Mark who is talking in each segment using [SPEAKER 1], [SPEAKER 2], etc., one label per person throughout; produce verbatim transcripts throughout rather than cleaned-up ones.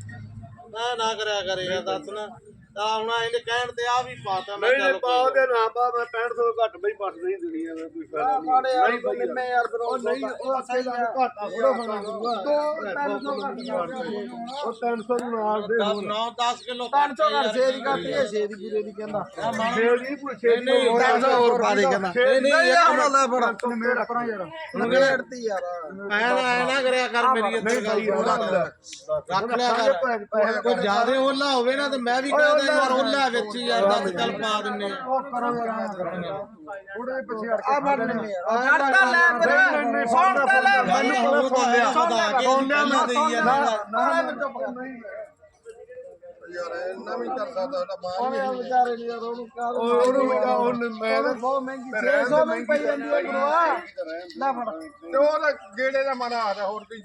[SPEAKER 1] ਨਾ ਨਾ ਕਰਿਆ ਕਰੇ ਯਾਰ ਦੱਸ ਨਾ ਆ ਹੁਣ ਇਹਨੇ ਕਹਿਣ ਤੇ ਆ ਵੀ ਪਾਤਾ ਮੈਂ
[SPEAKER 2] ਨਹੀਂ ਨਹੀਂ ਪਾ ਦੇ ਨਾ ਪਾ ਮੈਂ ਪੈਂਹਠ ਸੌ ਘੱਟ ਬਈ ਪੱਟ ਨਹੀਂ ਦੁਨੀਆ ਦਾ ਕੋਈ ਫਾਇਦਾ ਨਹੀਂ ਨਹੀਂ
[SPEAKER 3] ਨਿੰਮੇ ਯਾਰ ਫਿਰ
[SPEAKER 2] ਉਹ ਨਹੀਂ ਉਹ ਸਹੀ ਹੈ ਘਾਟਾ ਥੋੜਾ ਹੋਣਾ ਉਹ ਤਿੰਨ ਸੌ ਨੂੰ ਨਾਲ ਦੇ
[SPEAKER 1] ਨੌ ਦਸ ਕਿਲੋ
[SPEAKER 3] ਤਿੰਨ ਸੌ ਘੱਟ ਛੇ ਦੀ ਘੱਟ ਹੈ ਛੇ ਦੀ ਪੂਰੇ ਦੀ ਕਹਿੰਦਾ
[SPEAKER 2] ਛੇ ਦੀ ਪੁੱਛੇ ਨਹੀਂ
[SPEAKER 3] ਤਿੰਨ ਸੌ ਹੋਰ ਪਾ ਦੇ ਕਹਿੰਦਾ
[SPEAKER 2] ਨਹੀਂ
[SPEAKER 3] ਨਹੀਂ ਯਾਰ ਲੈ ਫੜ
[SPEAKER 2] ਤੂੰ ਮੇਰਾ ਪਰਾਂ ਯਾਰ
[SPEAKER 3] ਨਗੜਤੀ ਯਾਰ
[SPEAKER 1] ਐ ਨਾ ਐ ਨਾ ਕਰਿਆ ਕਰ ਮੇਰੀ ਇੱਥੇ ਗੱਲ ਰੱਖ ਲਿਆ ਕਰ ਕੋਈ ਜ਼ਿਆਦੇ ਓਲਾ ਹੋਵੇ ਨਾ ਤੇ ਮੈਂ ਵੀ ਕਹਿੰਦਾ ਯਾਰ ਓਲਾ ਵਿੱਚ ਯਾਰ ਦਸ ਚੱਲ ਪਾ ਦਿੰਨੇ
[SPEAKER 2] ਉਹ ਕਰੋ ਯਾਰ ਥੋੜੇ ਪਿੱਛੇ ਹਟ
[SPEAKER 3] ਆ ਮਰ ਨਹੀਂ ਯਾਰ ਹਟ ਤਾਂ ਲੈ ਮੇਰੇ ਸੌਣ ਤਾਂ ਲੈ
[SPEAKER 1] ਮੈਨੂੰ ਸੁਣ ਲਿਆ ਪਤਾ ਕਿ ਸੌਣਿਆ ਮੈਂ ਦੇਈ ਯਾਰ
[SPEAKER 2] ਨਹੀਂ
[SPEAKER 3] ਯਾਰ ਇੰਨਾ ਵੀ ਕਰ ਸਕਦਾ ਸਾਡਾ ਬਾਹਰ ਹੀ ਵਿਚਾਰੇ ਨੇ ਯਾਰ ਉਹਨੂੰ ਕਰ
[SPEAKER 2] ਉਹਨੂੰ ਉਹਨੂੰ ਮੈਂ
[SPEAKER 3] ਬਹੁਤ ਮਹਿੰਗੀ ਛੇ ਸੌ ਵੀ ਪਈ ਜਾਂਦੀ ਹੈ ਗੁਰੂਆ ਲੈ ਫੜ
[SPEAKER 2] ਤੇ ਉਹਦਾ ਗੇੜੇ ਦਾ ਮਾਰਾ ਆ ਹੋਰ ਕੋਈ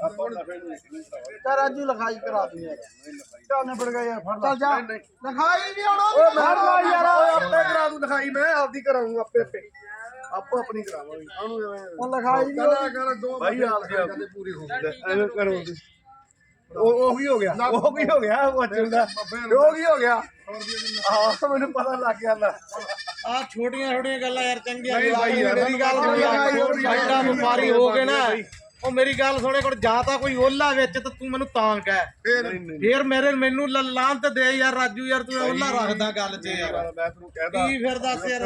[SPEAKER 3] ਤਾਂ ਰਾਜੂ ਲਿਖਾਈ ਕਰਾ ਦੂੰ ਯਾਰ
[SPEAKER 2] ਚੱਲ ਨਿਬੜ ਗਿਆ ਯਾਰ ਫੜ
[SPEAKER 3] ਚੱਲ ਜਾ ਲਿਖਾਈ ਵੀ ਆਉਣਾ
[SPEAKER 2] ਓਏ ਫੜ ਲਾ ਯਾਰ ਆਪੇ ਕਰਾ ਦੂੰ ਦਿਖਾਈ ਮੈਂ ਆਪਦੀ ਕਰਾਉਂਗਾ ਆਪੇ ਆਪੇ ਆਪੋ ਆਪਣੀ ਕਰਾਵਾਂਗੇ ਉਹਨੂੰ
[SPEAKER 3] ਉਹ ਲਿਖਾਈ ਵੀ
[SPEAKER 2] ਕਰਾ ਕਰ ਦੋ ਭਾਈ ਆਪ ਦੀ ਕਦੇ ਪੂਰੀ ਹੋ ਗਈ ਐਵੇਂ ਕਰੋ ਉਹ ਉਹ ਕੀ ਹੋ ਗਿਆ ਉਹ ਕੀ ਹੋ ਗਿਆ ਉਹ ਚੁੰਦਾ ਉਹ ਕੀ ਹੋ ਗਿਆ ਆਹ ਮੈਨੂੰ ਪਤਾ ਲੱਗ ਗਿਆ ਲੈ
[SPEAKER 1] ਆ ਛੋਟੀਆਂ ਛੋਟੀਆਂ ਗੱਲਾਂ ਯਾਰ ਚੰਗੀਆਂ
[SPEAKER 2] ਨਹੀਂ ਭਾਈ ਯਾਰ
[SPEAKER 1] ਮੇਰੀ ਗੱਲ ਸੁਣ ਸਾਡਾ ਵਪਾਰੀ ਹੋ ਕੇ ਨਾ ਉਹ ਮੇਰੀ ਗੱਲ ਸੁਣੇ ਕੋਲ ਜਾਂ ਤਾਂ ਕੋਈ ਓਲਾ ਵਿੱਚ ਤੇ ਤੂੰ ਮੈਨੂੰ ਤਾਂ ਕਹਿ ਫੇਰ ਮੇਰੇ ਮੈਨੂੰ ਲਾਂ ਤੇ ਦੇ ਯਾਰ ਰਾਜੂ ਯਾਰ ਤੂੰ ਓਲਾ ਰੱਖਦਾ ਗੱਲ 'ਚ ਯਾਰ
[SPEAKER 2] ਮੈਂ ਤੈਨੂੰ ਕਹਿਦਾ
[SPEAKER 1] ਕੀ ਫਿਰ ਦੱਸ ਯਾਰ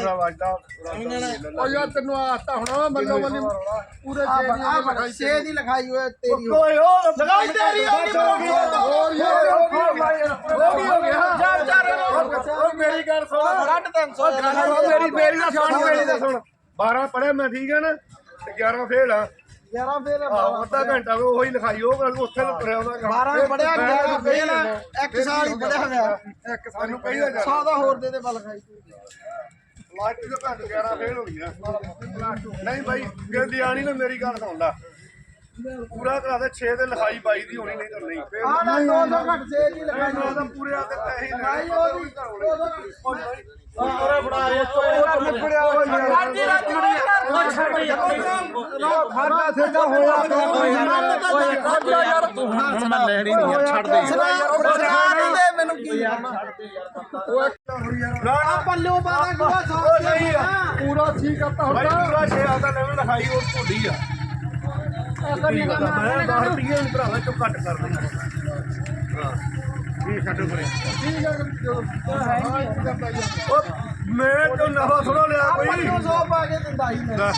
[SPEAKER 2] ਉਹ ਯਾਰ ਤੈਨੂੰ ਆਸਤਾ ਹੁਣ ਮੱਲੋ ਮੱਲੀ ਪੂਰੇ
[SPEAKER 3] ਛੇ ਦੀ ਲਿਖਾਈ ਹੋਏ ਤੇਰੀ
[SPEAKER 2] ਓਏ ਓ ਲਗਾਈ ਤੇਰੀ ਹੋ ਗਈ ਹੋਰ ਯਾਰ ਹੋ ਗਈ ਹੋ ਗਿਆ
[SPEAKER 3] ਚਾਰ ਚਾਰ
[SPEAKER 2] ਓ ਮੇਰੀ ਗੱਲ ਸੁਣ
[SPEAKER 3] ਸਾਢੇ ਤਿੰਨ ਸੌ
[SPEAKER 2] ਮੇਰੀ ਮੇਰੀ ਦਾ ਸੁਣ ਮੇਰੀ ਦਾ ਸੁਣ ਬਾਰਾਂ ਪੜਿਆ ਮੈਂ ਠੀਕ ਹੈ ਨਾ ਤੇ ਗਿਆਰਾਂ ਫੇਲ ਆ
[SPEAKER 3] ਗਿਆਰਾਂ ਫੇਰ
[SPEAKER 2] ਆਹ ਅੱਧਾ ਘੰਟਾ ਉਹੀ ਲਿਖਾਈ ਉਹ ਗੱਲ ਉੱਥੇ ਤੁਰਿਆ ਉਹਦਾ
[SPEAKER 3] ਬਾਰਾਂ ਪੜਿਆ ਗਿਆਰਾਂ ਫੇਰ ਇੱਕ ਸਾਲ ਹੀ ਪੜਿਆ ਹੋਇਆ
[SPEAKER 2] ਇੱਕ ਸਾਨੂੰ ਕਹੀਦਾ ਜਾ
[SPEAKER 3] ਸੌ ਦਾ ਹੋਰ ਦੇ ਦੇ ਬਲ ਲਿਖਾਈ
[SPEAKER 2] ਲਾਸਟ ਦੇ ਘੰਟ ਗਿਆਰਾਂ ਫੇਲ ਹੋ ਗਈਆਂ ਨਹੀਂ ਬਾਈ ਗਿਲਦੀ ਆਣੀ ਨਾ ਮੇਰੀ ਗੱਲ ਸੁਣ ਲੈ ਪੂਰਾ ਕਰਾ ਦੇ ਛੇ ਦੇ ਲਿਖਾਈ ਬਾਈ ਦੀ ਹੋਣੀ ਨਹੀਂ ਤਾਂ ਨਹੀਂ
[SPEAKER 3] ਆ ਨਾ ਦੋ ਸੌ ਘੱਟ ਛੇ ਦੀ ਲਿਖਾਈ
[SPEAKER 2] ਉਹਦਾ ਪੂਰੇ ਆ ਤੇ ਪੈਸੇ
[SPEAKER 3] ਲਿਖਾਈ ਉਹਦੀ ਦੋ ਸੌ ਘੱਟ
[SPEAKER 1] ਓਰੇ ਬਣਾ ਇਹ
[SPEAKER 2] ਨਿਪੜਿਆ ਹੋ ਯਾਰ
[SPEAKER 3] ਰਾਜੀ ਰਾਜੀ ਉਹ ਛੱਡ ਯਾਰ
[SPEAKER 2] ਖਾਣਾ ਸਿੱਧਾ ਹੋਇਆ
[SPEAKER 3] ਓਏ ਯਾਰ ਤੂੰ
[SPEAKER 1] ਹੁਣ ਮੈਂ ਲੈਣੀ ਨਹੀਂ ਯਾਰ ਛੱਡ ਦੇ
[SPEAKER 3] ਸਰਕਾਰ ਦੇ ਮੈਨੂੰ ਕੀ
[SPEAKER 2] ਰਾਣਾ
[SPEAKER 3] ਪੱਲਿਓ ਪਾਦਾ ਗੁਆ ਸੌ
[SPEAKER 2] ਨਹੀਂ ਪੂਰਾ ਠੀਕ ਕਰਤਾ ਹੁਣ ਪੂਰਾ ਛੇ ਆਦਾ ਲੈਵਲ ਲਿਖਾਈ ਉਹ ਢੋਡੀ ਆ ਮੈਂ ਦਸ ਰੁਪਏ ਨੂੰ ਭਰਾਵਾ ਚੋਂ ਘੱਟ ਕਰ ਦੇ ਹਾਂ ਇਹ ਛੱਡੋ ਪਰੇ ਉਹ ਮੈਂ ਤੋਂ ਨਵਾਂ ਥੋੜਾ ਲਿਆ ਕੋਈ
[SPEAKER 3] ਪੱਲਿਓ ਸੌ ਪਾ ਕੇ ਦਿੰਦਾ ਹੀ ਮੈਂ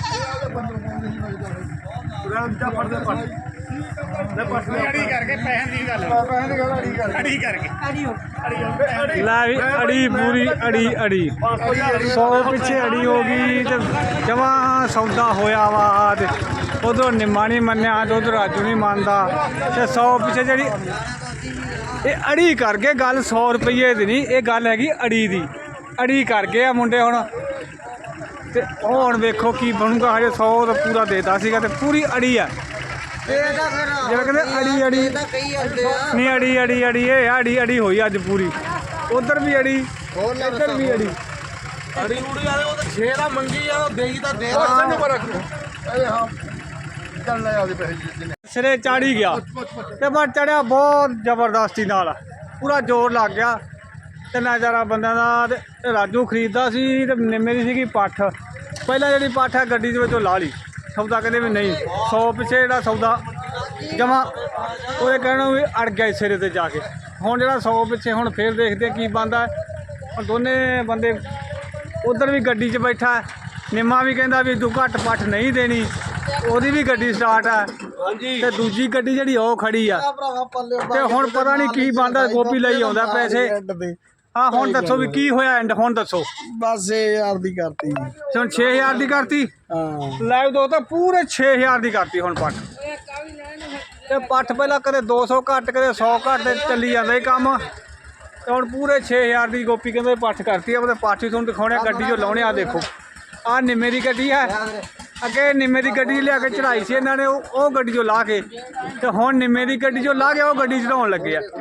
[SPEAKER 2] ਰਾਮ ਚਾ ਪੜਦੇ ਪੜ ਲੈ ਪੜ ਅੜੀ ਕਰਕੇ ਪੈਸੇ ਦੀ ਗੱਲ ਪੈਸੇ ਦੀ ਗੱਲ ਅੜੀ ਕਰਕੇ ਅੜੀ ਕਰਕੇ
[SPEAKER 3] ਅੜੀ ਹੋ
[SPEAKER 2] ਅੜੀ
[SPEAKER 4] ਲੈ ਵੀ ਅੜੀ ਪੂਰੀ ਅੜੀ ਅੜੀ ਸੌ ਪਿੱਛੇ ਅੜੀ ਹੋ ਗਈ ਤੇ ਜਮਾ ਸੌਦਾ ਹੋਇਆ ਵਾ ਤੇ ਉਧਰੋਂ ਨਿੰਮਾ ਨਹੀਂ ਮੰਨਿਆ ਤੇ ਉਧਰ ਰਾਜੂ ਨਹੀਂ ਮੰਨਦਾ ਤੇ ਸੌ ਪਿੱਛੇ ਜਿਹੜੀ ਇਹ ਅੜੀ ਕਰਕੇ ਗੱਲ ਸੌ ਰੁਪਈਏ ਦੀ ਨਹੀਂ ਇਹ ਗੱਲ ਹੈਗੀ ਅੜੀ ਦੀ ਅੜੀ ਕਰ ਗਏ ਆ ਮੁੰਡੇ ਹੁਣ ਤੇ ਹੁਣ ਵੇਖੋ ਕੀ ਬਣੂਗਾ ਹਜੇ ਸੌ ਤਾਂ ਪੂਰਾ ਦੇਤਾ ਸੀਗਾ ਤੇ ਪੂਰੀ ਅੜੀ ਆ ਜਿਹੜਾ ਕਹਿੰਦੇ ਅੜੀ ਅੜੀ ਨਹੀਂ ਅੜੀ ਅੜੀ ਅੜੀ ਇਹ ਅੜੀ ਅੜੀ ਹੋਈ ਅੱਜ ਪੂਰੀ ਉਧਰ ਵੀ ਅੜੀ ਇੱਧਰ ਵੀ ਅੜੀ
[SPEAKER 1] ਅੜੀ ਉੜੀ ਵਾਲੇ ਉਹ ਛੇ ਦਾ ਮੰਗੀ ਆ ਉਹ ਦੇਈ ਤਾਂ ਦੇ
[SPEAKER 2] ਸਾਨੂੰ ਪਰ ਇਹ ਹਾਂ ਚੱਲ ਲੈ ਆਦੇ ਪੈਸੇ
[SPEAKER 4] ਸਿਰੇ ਚਾੜੀ ਗਿਆ ਤੇ ਮੈਂ ਚੜਿਆ ਬਹੁਤ ਜ਼ਬਰਦਸਤੀ ਨਾਲ ਪੂਰਾ ਜ਼ੋਰ ਲੱਗ ਗਿਆ ਤੇ ਨਜ਼ਾਰਾ ਬੰਦਿਆਂ ਦਾ ਤੇ ਰਾਜੂ ਖਰੀਦਦਾ ਸੀ ਤੇ ਨਿੰਮੇ ਦੀ ਸੀਗੀ ਪੱਠ ਪਹਿਲਾਂ ਜਿਹੜੀ ਪੱਠ ਹੈ ਗੱਡੀ ਦੇ ਵਿੱਚੋਂ ਲਾ ਲਈ ਸੌਦਾ ਕਹਿੰਦੇ ਵੀ ਨਹੀਂ ਸੌ ਪਿੱਛੇ ਜਿਹੜਾ ਸੌਦਾ ਜਮਾ ਉਹਦੇ ਕਹਿਣਾ ਵੀ ਅੜ ਗਿਆ ਸਿਰੇ ਤੇ ਜਾ ਕੇ ਹੁਣ ਜਿਹੜਾ ਸੌ ਪਿੱਛੇ ਹੁਣ ਫੇਰ ਦੇਖਦੇ ਕੀ ਬਣਦਾ ਹੁਣ ਦੋਨੇ ਬੰਦੇ ਉਧਰ ਵੀ ਗੱਡੀ 'ਚ ਬੈਠਾ ਨਿੰਮਾ ਵੀ ਕਹਿੰਦਾ ਵੀ ਤੂੰ ਘੱਟ ਪੱਠ ਨਹੀਂ ਦੇਣੀ ਉਹਦੀ ਵੀ ਗੱਡੀ ਸਟਾਰਟ ਹੈ ਤੇ ਦੂਜੀ ਗੱਡੀ ਜਿਹੜੀ ਉਹ ਖੜੀ ਆ ਤੇ ਹੁਣ ਪਤਾ ਨਹੀਂ ਕੀ ਬਣਦਾ ਗੋਪੀ ਲਈ ਆਉਂਦਾ ਪੈਸੇ ਹਾਂ ਹੁਣ ਦੱਸੋ ਵੀ ਕੀ ਹੋਇਆ ਐਂਡ ਹੁਣ ਦੱਸੋ
[SPEAKER 3] ਬਸ ਛੇ ਹਜ਼ਾਰ ਦੀ ਕਰਤੀ
[SPEAKER 4] ਹੁਣ ਛੇ ਹਜ਼ਾਰ ਦੀ ਕਰਤੀ
[SPEAKER 3] ਹਾਂ
[SPEAKER 4] ਲਾਈਵ ਦੋ ਤਾਂ ਪੂਰੇ ਛੇ ਹਜ਼ਾਰ ਦੀ ਕਰਤੀ ਹੁਣ ਪੱਠ ਤੇ ਪੱਠ ਪਹਿਲਾਂ ਕਦੇ ਦੋ ਸੌ ਘੱਟ ਕਦੇ ਸੌ ਘੱਟ ਤੇ ਚੱਲੀ ਜਾਂਦਾ ਇਹ ਕੰਮ ਤੇ ਹੁਣ ਪੂਰੇ ਛੇ ਹਜ਼ਾਰ ਦੀ ਗੋਪੀ ਕਹਿੰਦੇ ਪੱਠ ਕਰਤੀ ਆ ਉਹਦੇ ਪੱਠ ਹੀ ਤੁਹਾਨੂੰ ਦਿਖਾਉਣੇ ਗੱਡੀ 'ਚੋਂ ਲਾਉਣੇ ਆ ਦੇਖੋ ਆਹ ਨਿੰਮੇ ਦੀ ਗੱਡੀ ਹੈ ਅੱਗੇ ਨਿੰਮੇ ਦੀ ਗੱਡੀ ਲਿਆ ਕੇ ਚੜਾਈ ਸੀ ਇਹਨਾਂ ਨੇ ਉਹ ਉਹ ਗੱਡੀ 'ਚੋਂ ਲਾ ਕੇ ਤੇ ਹੁਣ ਨਿੰਮੇ ਦੀ ਗੱਡੀ 'ਚੋਂ ਲਾ ਕੇ ਉਹ ਗੱਡੀ ਚੜਾਉਣ ਲੱਗੇ ਆ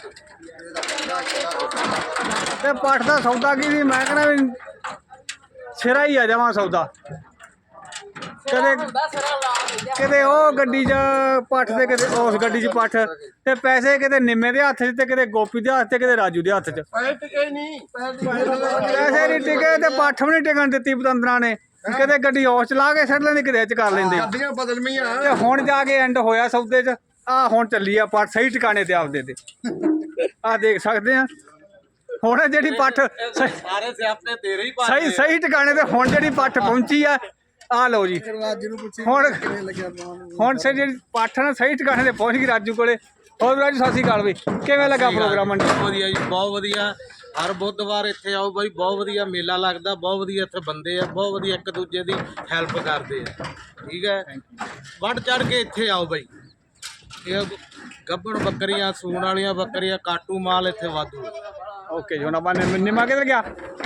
[SPEAKER 4] ਤੇ ਪੱਠ ਦਾ ਸੌਦਾ ਕੀ ਸੀ ਮੈਂ ਕਹਿੰਦਾ ਵੀ ਸਿਰਾ ਹੀ ਆ ਜਾਵਾਂ ਸੌਦਾ ਕਦੇ ਕਿਤੇ ਉਹ ਗੱਡੀ 'ਚ ਪੱਠ ਤੇ ਕਿਤੇ ਉਸ ਗੱਡੀ 'ਚ ਪੱਠ ਤੇ ਪੈਸੇ ਕਿਤੇ ਨਿੰਮੇ ਦੇ ਹੱਥ 'ਚ ਤੇ ਕਿਤੇ ਗੋਪੀ ਦੇ ਹੱਥ 'ਚ ਕਿਤੇ ਰਾਜੂ ਦੇ ਹੱਥ 'ਚ
[SPEAKER 3] ਪੈਸੇ ਟਿਕੇ ਨਹੀਂ
[SPEAKER 4] ਪੈਸੇ ਨਹੀਂ ਟਿਕੇ ਤੇ ਪੱਠ ਵੀ ਨਹੀਂ ਟਿਕਣ ਦਿੱਤੀ ਪਤੰਦਰਾਂ ਨੇ ਕਿਤੇ ਗੱਡੀ ਉਸ ਚਲਾ ਕੇ ਛੱਡ ਲੈਂਦੀ ਕਿਤੇ ਇਹ 'ਚ ਕਰ ਲੈਂਦੇ
[SPEAKER 3] ਗੱਡੀਆਂ ਬਦਲਮੀਆਂ
[SPEAKER 4] ਤੇ ਹੁਣ ਜਾ ਕੇ ਐਂਡ ਹੋਇਆ ਸੌਦੇ 'ਚ ਆ ਹੁਣ ਚੱਲੀ ਆ ਪੱਠ ਸਹੀ ਟਿਕਾਣੇ ਤੇ ਆਪਦੇ ਤੇ ਆ ਦੇਖ ਸਕਦੇ ਆ ਹੁਣ ਜਿਹੜੀ ਪੱਠ ਸਹੀ
[SPEAKER 1] ਸਾਰੇ ਸਿਆਪੇ ਤੇਰੇ ਹੀ
[SPEAKER 4] ਸਹੀ ਸਹੀ ਟਿਕਾਣੇ ਤੇ ਹੁਣ ਜਿਹੜੀ ਪੱਠ ਪਹੁੰਚੀ ਆ ਆ ਲਓ ਜੀ
[SPEAKER 3] ਰਾਜੂ ਨੂੰ ਪੁੱਛੀ
[SPEAKER 4] ਹੁਣ
[SPEAKER 3] ਕਿਵੇਂ ਲੱਗਿਆ ਤੁਹਾਨੂੰ
[SPEAKER 4] ਹੁਣ ਸੇ ਜਿਹੜੀ ਪੱਠ ਨਾ ਸਹੀ ਟਿਕਾਣੇ ਤੇ ਪਹੁੰਚ ਗਈ ਰਾਜੂ ਕੋਲੇ ਹੋਰ ਰਾਜੂ ਸਤਿ ਸ਼੍ਰੀ ਅਕਾਲ ਬਈ ਕਿਵੇਂ ਲੱਗਾ ਪ੍ਰੋਗਰਾਮ ਮੰਡੀ
[SPEAKER 1] ਬਹੁਤ ਵਧੀਆ ਜੀ ਬਹੁਤ ਵਧੀਆ ਹਰ ਬੁੱਧਵਾਰ ਇੱਥੇ ਆਓ ਬਾਈ ਬਹੁਤ ਵਧੀਆ ਮੇਲਾ ਲੱਗਦਾ ਬਹੁਤ ਵਧੀਆ ਇੱਥੇ ਬੰਦੇ ਆ ਬਹੁਤ ਵਧੀਆ ਇੱਕ ਦੂਜੇ ਦੀ ਹੈਲਪ ਕਰਦੇ ਆ ਠੀਕ ਹੈ ਵੱਧ ਚੜ ਕੇ ਇੱਥੇ ਆਓ ਬਾਈ ਇਹ ਗੱਭਣ ਬੱਕਰੀਆਂ ਸੂਣ ਵਾਲੀਆਂ ਬੱਕਰੀਆਂ ਕਾਟੂ ਮਾਲ ਇੱਥੇ ਵਾਧੂ
[SPEAKER 4] ਓਕੇ ਜੀ ਹੁਣ ਆਪਾਂ ਨਿੰਮੇ ਨਿੰਮਾ ਕਿੱਧਰ ਗਿਆ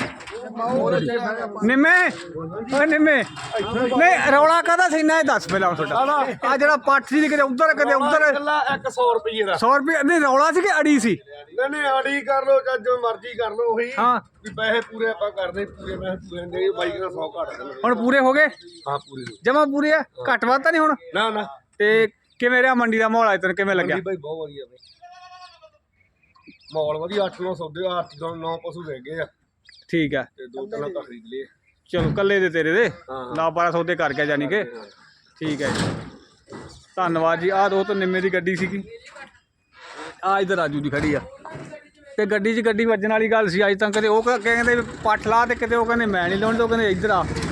[SPEAKER 4] ਨਿੰਮੇ ਓਏ ਨਿੰਮੇ ਨਹੀਂ ਰੌਲਾ ਕਾਹਦਾ ਸੀ ਨਾ ਇਹ ਦੱਸ ਪਹਿਲਾਂ ਤੁਹਾਡਾ ਆ ਜਿਹੜਾ ਪੱਠ ਸੀ ਕਿਤੇ ਉੱਧਰ ਕਿਤੇ ਉੱਧਰ
[SPEAKER 2] ਇੱਕ ਸੌ ਰੁਪਏ ਦਾ
[SPEAKER 4] ਸੌ ਰੁਪਏ ਨਹੀਂ ਰੌਲਾ ਸੀ ਕਿ ਅੜੀ ਸੀ
[SPEAKER 2] ਨਹੀਂ ਨਹੀਂ ਆੜੀ ਕਰ ਲੋ ਜਾਂ ਜੋ ਮਰਜ਼ੀ ਕਰ ਲੋ ਉਹੀ
[SPEAKER 4] ਹਾਂ
[SPEAKER 2] ਵੀ ਪੈਸੇ ਪੂਰੇ ਆਪਾਂ ਕਰਦੇ ਪੂਰੇ ਮੈਂ ਪੂਰੇ ਦੇ ਬਾਈਕ ਦਾ ਸੌ ਘੱਟ ਦੇ
[SPEAKER 4] ਹੁਣ ਪੂਰੇ ਹੋ ਗਏ
[SPEAKER 2] ਹਾਂ ਪੂਰੇ
[SPEAKER 4] ਜਮਾ ਪੂਰੇ ਆ ਘੱਟ ਵੱਧ ਤਾਂ ਨਹੀਂ ਹੁਣ
[SPEAKER 2] ਨਾ ਨਾ
[SPEAKER 4] ਤੇ ਕਿਵੇਂ ਰਿਹਾ ਮੰਡੀ ਦਾ ਮਾਹੌਲ ਅੱਜ ਤੱਕ ਕਿਵੇਂ ਲੱਗਿਆ
[SPEAKER 2] ਬਾਈ ਬਹੁਤ ਵਧੀਆ ਬਈ ਮਾਹੌਲ ਵਧੀਆ ਅੱਠ ਨੌ ਸੌਦੇ ਅੱਠ ਤੋਂ ਨੌ ਪਸ਼ੂ ਰਹਿ ਗਏ ਆ
[SPEAKER 4] ਠੀਕ ਆ
[SPEAKER 2] ਤੇ ਦੋ ਤਿੰਨ ਤਾਂ ਖਰੀਦ ਲਏ
[SPEAKER 4] ਚਲੋ ਕੱਲੇ ਦੇ ਤੇਰੇ ਦੇ
[SPEAKER 2] ਹਾਂ।
[SPEAKER 4] ਨਾ ਬਾਰਾਂ ਸੌ ਦੇ ਕਰ ਗਿਆ ਜਾਨੀ ਕਿ ਠੀਕ ਹੈ ਜੀ ਧੰਨਵਾਦ ਜੀ ਆਹ ਦੋ ਤੋਂ ਨਿੰਮੇ ਦੀ ਗੱਡੀ ਸੀਗੀ ਆ ਇਧਰ ਰਾਜੂ ਦੀ ਖੜੀ ਆ ਤੇ ਗੱਡੀ 'ਚ ਗੱਡੀ ਵੱਜਣ ਵਾਲੀ ਗੱਲ ਸੀ ਅੱਜ ਤੱਕ ਕਦੇ ਉਹ ਕ- ਕਹਿੰਦੇ ਵੀ ਪੱਠ ਲਾ ਤੇ ਕਿਤੇ ਉਹ ਕਹਿੰਦੇ ਮੈਂ ਨਹੀਂ ਲਾਉਣ ਤੇ ਉਹ ਕਹਿੰਦੇ ਇੱਧਰ ਆ